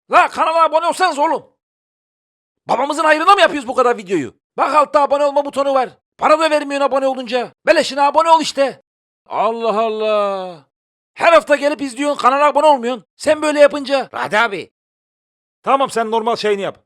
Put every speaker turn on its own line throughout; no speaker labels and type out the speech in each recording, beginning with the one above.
La kanala abone olsanız oğlum. Babamızın hayrına mı yapıyoruz bu kadar videoyu? Bak altta abone olma butonu var. Para da vermiyorsun abone olunca. Beleşine abone ol işte. Allah Allah. Her hafta gelip izliyorsun, kanala abone olmuyorsun. Sen böyle yapınca.
Radi abi.
Tamam, sen normal şeyini yap.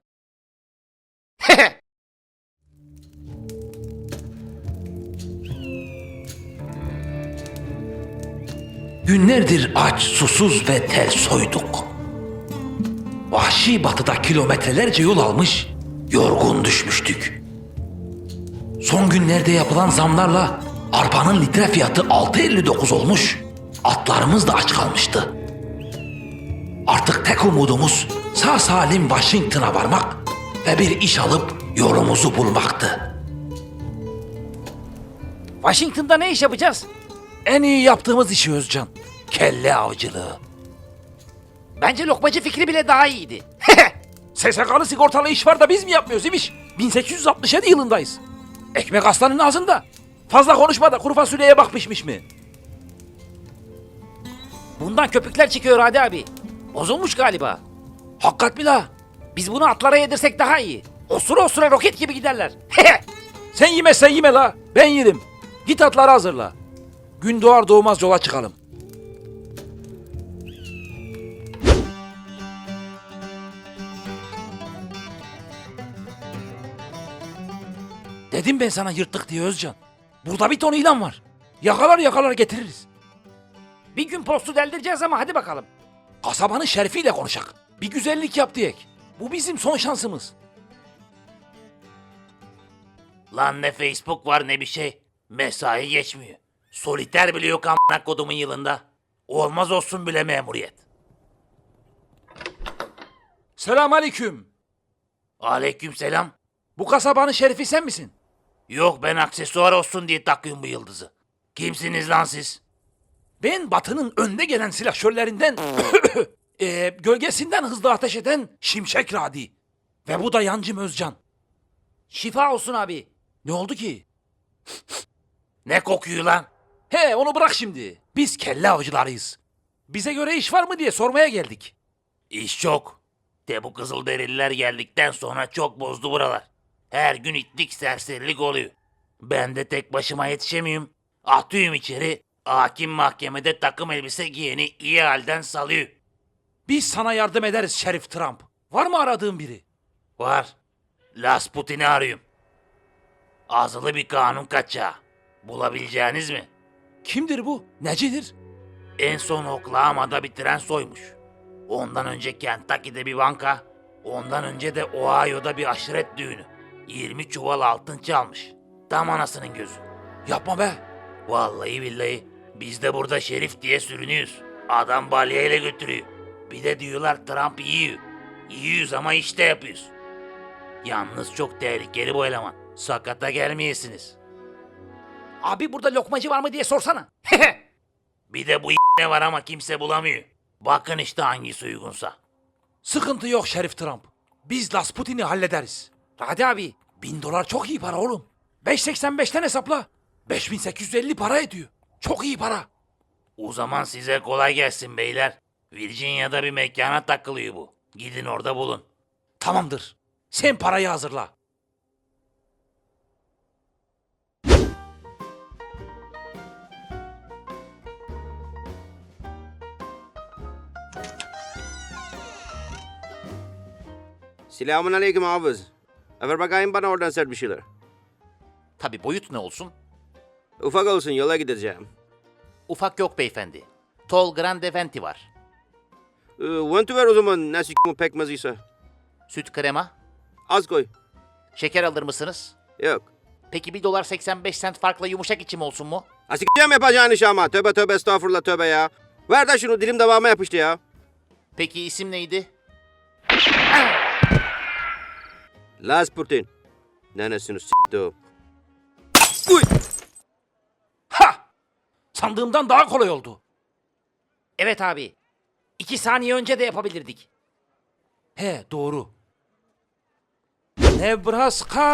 Günlerdir aç, susuz ve tel soyduk. Vahşi batıda kilometrelerce yol almış, yorgun düşmüştük. Son günlerde yapılan zamlarla arpanın litre fiyatı 6,59 olmuş, atlarımız da aç kalmıştı. Artık tek umudumuz sağ salim Washington'a varmak ve bir iş alıp yolumuzu bulmaktı.
Washington'da ne iş yapacağız?
En iyi yaptığımız işi Özcan, kelle avcılığı.
Bence lokmacı fikri bile daha iyiydi.
SSK'lı sigortalı iş var da biz mi yapmıyoruz imiş? 1867 yılındayız. Ekmek aslanın ağzında. Fazla konuşma da kuru fasulyeye bak pişmiş mi?
Bundan köpükler çıkıyor Radi abi. Bozulmuş galiba.
Hakikat mi la?
Biz bunu atlara yedirsek daha iyi. Osura osura roket gibi giderler.
Sen yemezsen yeme la. Ben yerim. Git atları hazırla. Gün doğar doğmaz yola çıkalım. Dedim ben sana yırttık diye Özcan. Burada bir ton ilan var. Yakalar getiririz.
Bir gün postu deldireceğiz ama hadi bakalım.
Kasabanın şerifiyle konuşak. Bir güzellik yap diyek. Bu bizim son şansımız.
Lan ne Facebook var ne bir şey. Mesai geçmiyor. Soliter bile yok amına kodumun yılında. Olmaz olsun bile memuriyet.
Selamünaleyküm.
Aleykümselam.
Bu kasabanın şerifi sen misin?
Yok ben aksesuar olsun diye takıyorum bu yıldızı. Kimsiniz lan siz?
Ben Batı'nın önde gelen silahşörlerinden, gölgesinden hızlı ateş eden Şimşek Radi. Ve bu da Yancım Özcan.
Şifa olsun abi.
Ne oldu ki?
Ne kokuyor lan?
He, onu bırak şimdi. Biz kelle avcılarıyız. Bize göre iş var mı diye sormaya geldik.
İş çok. De bu Kızılderililer geldikten sonra çok bozdu buralar. Her gün itlik serserilik oluyor. Ben de tek başıma yetişemiyorum. Atıyorum içeri. Hakim mahkemede takım elbise giyeni iyi halden salıyor.
Biz sana yardım ederiz Şerif Trump. Var mı aradığın biri?
Var. Lasputin'i arıyorum. Azılı bir kanun kaçağı. Bulabileceğiniz mi?
Kimdir bu? Necidir?
En son Oklahoma'da bir tren soymuş. Ondan önce Kentucky'de bir banka. Ondan önce de Ohio'da bir aşiret düğünü. 20 çuval altın çalmış. Tam anasının gözü.
Yapma be.
Vallahi billahi biz de burada şerif diye sürünüyoruz. Adam balyayla götürüyor. Bir de diyorlar Trump yiyor. Yiyoruz ama işte yapıyoruz. Yalnız çok tehlikeli bu eleman. Sakata gelmeyesiniz.
Abi burada lokmacı var mı diye sorsana.
Bir de bu ne var ama kimse bulamıyor. Bakın işte hangisi uygunsa.
Sıkıntı yok Şerif Trump. Biz Lasputin'i hallederiz.
Radi abi.
$1000 çok iyi para oğlum. 5.85'ten hesapla. 5.850 para ediyor. Çok iyi para.
O zaman size kolay gelsin beyler. Virginia'da bir mekana takılıyor bu. Gidin orada bulun.
Tamamdır. Sen parayı hazırla.
Selamun aleyküm hafız. Ver bakayım bana oradan sert bir şeyler.
Tabii boyut ne olsun?
Ufak olsun yola gideceğim.
Ufak yok beyefendi. Tall Grande Venti var.
Venti ver o zaman ne s***mu pekmeziyse.
Süt krema.
Az koy.
Şeker alır mısınız?
Yok.
Peki $1.85 farkla yumuşak içim olsun mu?
Asikeceğim yapacağın iş ama. Tövbe tövbe estağfurullah tövbe ya. Ver de şunu dilim devamı yapıştı ya.
Peki isim neydi?
Lasputin. Nenesini s***dim. Uy!
Ha! Sandığımdan daha kolay oldu.
Evet abi. 2 saniye önce de yapabilirdik.
He, doğru. Nebraska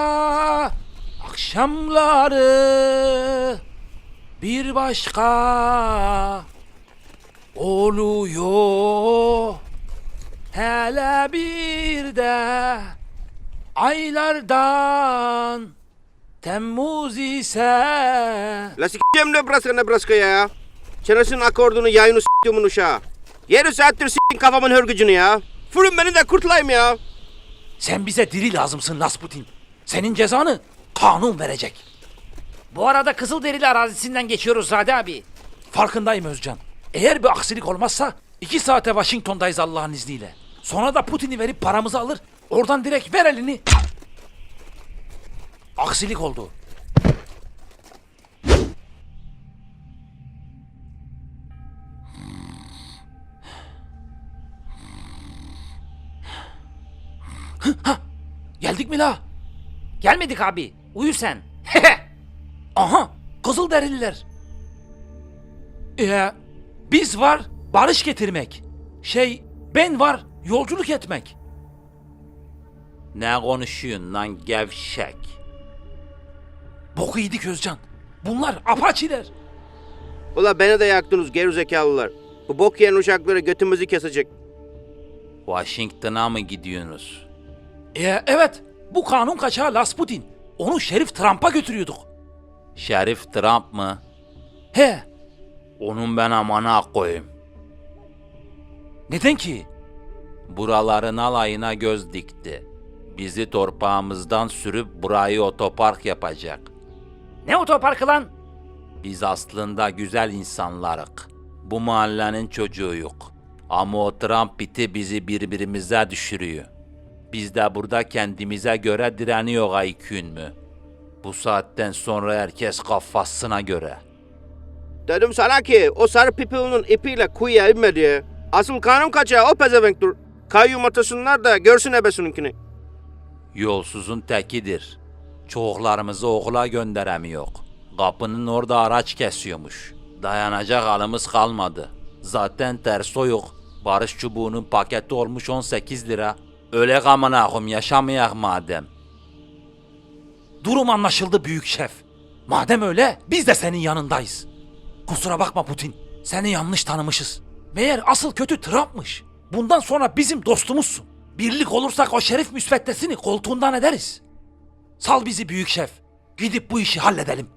akşamları bir başka oluyor. Hele bir de aylardan Temmuz ise.
La s**eceğim Nebraska ya. Çenesinin akordunu yayını s**tiyomun uşağı. 7 saattir s**tin kafamın hörgücünü ya. Fırın beni de kurtulayım ya.
Sen bize diri lazımsın Rasputin. Senin cezanı kanun verecek.
Bu arada Kızılderili arazisinden geçiyoruz Radi abi.
Farkındayım Özcan. Eğer bir aksilik olmazsa 2 saate Washington'dayız Allah'ın izniyle. Sonra da Putin'i verip paramızı alır. Oradan direkt ver elini. Aksilik oldu. Hah, geldik mi la?
Gelmedik abi. Uyu sen.
Aha, Kızılderililer. Biz var barış getirmek. Ben var yolculuk etmek.
Ne konuşuyorsun lan gevşek?
Boku yedik Özcan. Bunlar apaçiler.
Ula beni de yaktınız gerizekalılar. Bu bok yiyen uşakları götümüzü kesecek.
Washington'a mı gidiyorsunuz?
Evet, bu kanun kaçağı Rasputin. Onu Şerif Trump'a götürüyorduk.
Şerif Trump mı?
He,
Onun ben amana koyayım.
neden ki?
Buraların alayına göz dikti. Bizi torpağımızdan sürüp burayı otopark yapacak.
Ne otoparkı lan?
Biz aslında güzel insanlarık. Bu mahallenin çocuğuyuk. Ama o Trump biti bizi birbirimize düşürüyor. Biz de burada kendimize göre direniyor aykün mü? Bu saatten sonra herkes kafasına göre.
Dedim sana ki o sarı pipilinin ipiyle kuyuya inme diye. Asıl kanun kaçağı o pezevenktir. Kayyum atasınlar da görsün ebesininkini.
Yolsuzun tekidir. Çoğuklarımızı okula gönderemiyor. Kapının orada araç kesiyormuş. Dayanacak halimiz kalmadı. Zaten terso yok. Barış çubuğunun paketi olmuş 18 lira. Öyle amına koyayım yaşamayak madem.
Durum anlaşıldı büyük şef. Madem öyle biz de senin yanındayız. Kusura bakma Putin. Seni yanlış tanımışız. Meğer asıl kötü Trump'mış. Bundan sonra bizim dostumuzsun. Birlik olursak o şerif müsveddesini koltuğundan ederiz. Sal bizi büyük şef. Gidip bu işi halledelim.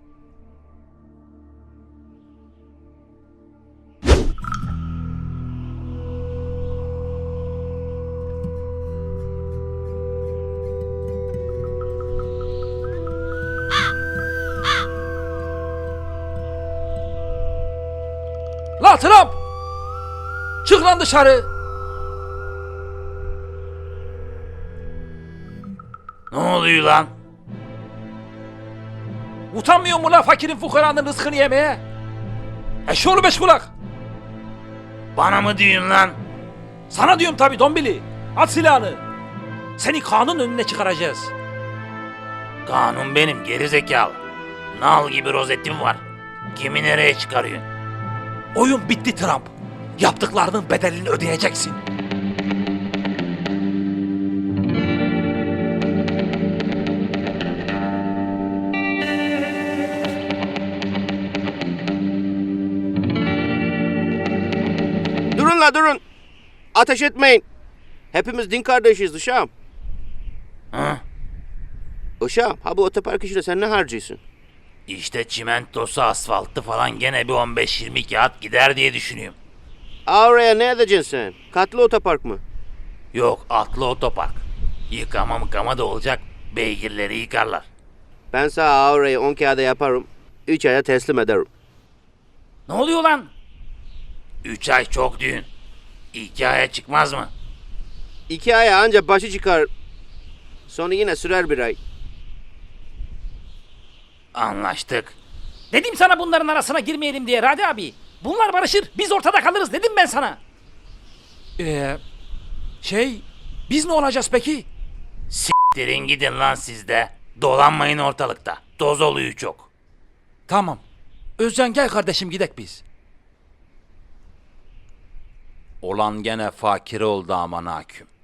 La Trump! Çık lan dışarı!
Ne oluyor lan?
Utanmıyor mu la fakirin fukaranın rızkını yemeye? Eşoğlu beş kulak!
Bana mı diyorsun lan?
Sana diyorum tabi Dombili. At silahını. Seni kanun önüne çıkaracağız.
Kanun benim gerizekalı. Nal gibi rozetim var. Kimi nereye çıkarıyorsun?
Oyun bitti Trump. Yaptıklarının bedelini ödeyeceksin.
Durun la durun. Ateş etmeyin. Hepimiz din kardeşiz uşağım.
Hı?
Uşağım ha bu otopark işine sen ne harcıyorsun?
İşte çimentosu, asfaltı falan gene bir 15-20 kağıt gider diye düşünüyorum.
Oraya ne edeceksin sen? Katlı otopark mı?
Yok, atlı otopark. Yıkama da olacak, beygirleri yıkarlar.
Ben sana orayı 10 kağıda yaparım. 3 aya teslim ederim.
Ne oluyor lan?
3 ay çok düğün. 2 aya çıkmaz mı?
2 aya anca başı çıkar. Sonra yine sürer bir ay.
Anlaştık.
Dedim sana bunların arasına girmeyelim diye Radi abi. Bunlar barışır, biz ortada kalırız dedim ben sana.
Biz ne olacağız peki?
S**tirin gidin lan siz de. Dolanmayın ortalıkta. Toz oluyor çok.
Tamam. Özcan gel kardeşim gidek biz.
Olan gene fakir oldu aman hakim.